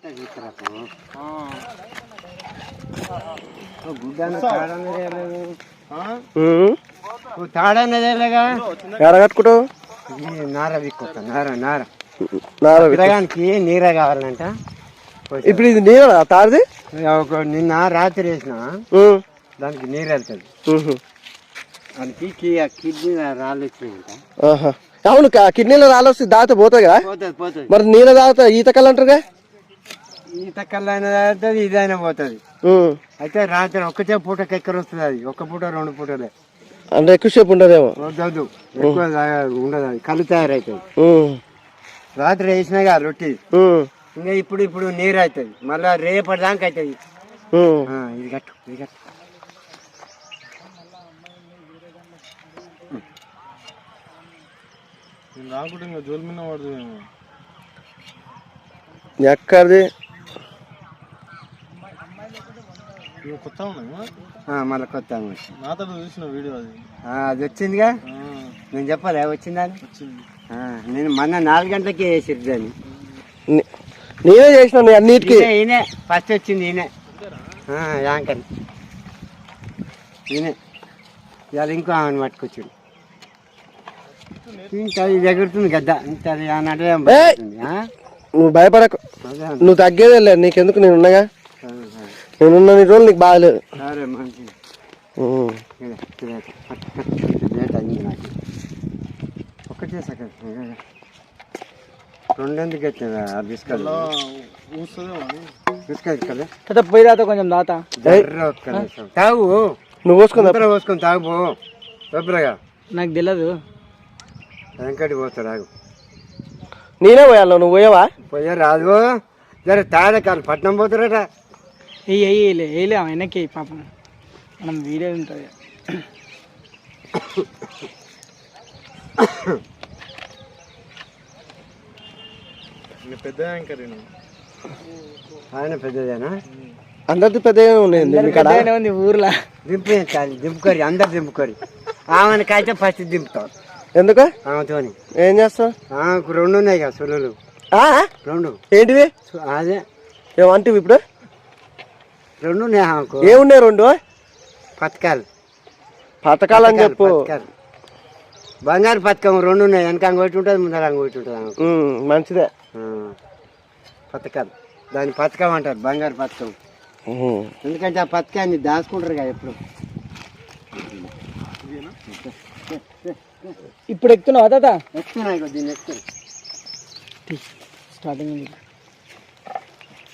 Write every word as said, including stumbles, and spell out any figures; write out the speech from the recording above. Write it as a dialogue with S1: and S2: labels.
S1: కట్టుకుంటావు
S2: నార విక్కొస్తా నార నార నారగానికి నీరే కావాలంట.
S1: ఇప్పుడు ఇది నీరు తాడిది
S2: ఒక నిన్న రాత్రి వేసిన దానికి నీరు వెళ్తుంది. దానికి కిడ్నీ రాళ్ళు వచ్చినాయంట.
S1: అవును, కిడ్నీలో రాళ్ళు వస్తే దాత పోతుంది కదా.
S2: పోతుంది పోతుంది.
S1: మరి నీళ్ళ తాగుతా ఈత కళ్ళు అంటారుగా.
S2: ఈత కళ్ళు అయినా తాగుతుంది, ఇదైనా పోతుంది. అయితే రాత్రి ఒక్కటే పూటకి ఎక్కడ వస్తుంది అది, ఒక్క పూట రెండు పూటలే
S1: అంటే ఎక్కువసేపు ఉండదేమో.
S2: వద్దు ఎక్కువ ఉండదు, అది కళ్ళు తయారవుతుంది. రాత్రి వేసినాగా రొట్టి ఇంకా ఇప్పుడు ఇప్పుడు నీరు అవుతుంది, మళ్ళా రేపటి దాకా అవుతుంది. ఇది కట్టు ఇది కట్టు.
S1: ఎక్కడిది
S2: మళ్ళీ కొత్త అది వచ్చిందిగా. నేను చెప్పాలి వచ్చిందా అని. నేను మొన్న నాలుగు గంటలకే వేసిరు దాన్ని.
S1: నేనే చేసిన అన్నిటికీ.
S2: ఈయనే ఫస్ట్ వచ్చింది, ఈయనే యాంకర్ ఈయనే. ఇవాళ ఇంకో ఆమెను పట్టుకొచ్చాడు. ఇంకా ఇది ఎగురుతుంది గద్ద. ఇంత అన్నట్టు
S1: నువ్వు భయపడకు, నువ్వు తగ్గేదే లేదు. నీకెందుకు, నేను ఉన్నాగా. నేనున్న నీ రోజులు నీకు బాగాలేదు.
S2: సరే మంచిది. ఒకటే సెకండ్ రెండెందుకు వచ్చిందా బిస్కెట్ బిస్కెట్ కదా
S1: పోయి దాత కొంచెం దాత
S2: తాగు.
S1: నువ్వు పోసుకుని
S2: పోసుకొని తాగు శుభ్రగా.
S1: నాకు తెలియదు.
S2: వెంకటి పోతాడు ఆగు.
S1: నేనే పోయాను, నువ్వు పోయావా?
S2: పోయా రాదు జర తాడే కాదు పట్నం పోతారట.
S1: వేయలే వేయలే వెనక్కి పాపం, మనం వీడియో ఉంటుంది.
S2: పెద్ద ఆయన పెద్దదేనా?
S1: అందరిది పెద్దగా ఉంది ఊర్లో.
S2: దింపే దింపుకోరి, అందరు దింపుకోరి. ఆమెను కాయితే ఫస్ట్ దింపుతావు.
S1: ఎందుకు?
S2: ఆమెతో
S1: ఏం చేస్తావు?
S2: ఆమెకు రెండు ఉన్నాయి కదా సులులు. రెండు
S1: ఏంటివి?
S2: అదే
S1: ఏమంటివి ఇప్పుడు?
S2: రెండు ఉన్నాయి ఆమెకు.
S1: ఏమున్నాయి రెండు?
S2: పథకాలు.
S1: పథకాలు అని చెప్పు.
S2: బంగారు పథకం రెండు ఉన్నాయి, వెనక అంగొట్టి ఉంటుంది, ముందర అంగొట్టి ఉంటుంది ఆమెకు.
S1: మంచిదే.
S2: పథకాలు, దాని పథకం అంటారు, బంగారు పథకం. ఎందుకంటే ఆ పథకాన్ని దాచుకుంటారు కదా ఎప్పుడు.
S1: ఇప్పుడు ఎక్కుతున్నావా తాత?
S2: ఎక్కుతున్నాయి దీన్ని ఎక్కువ
S1: స్టార్టింగ్.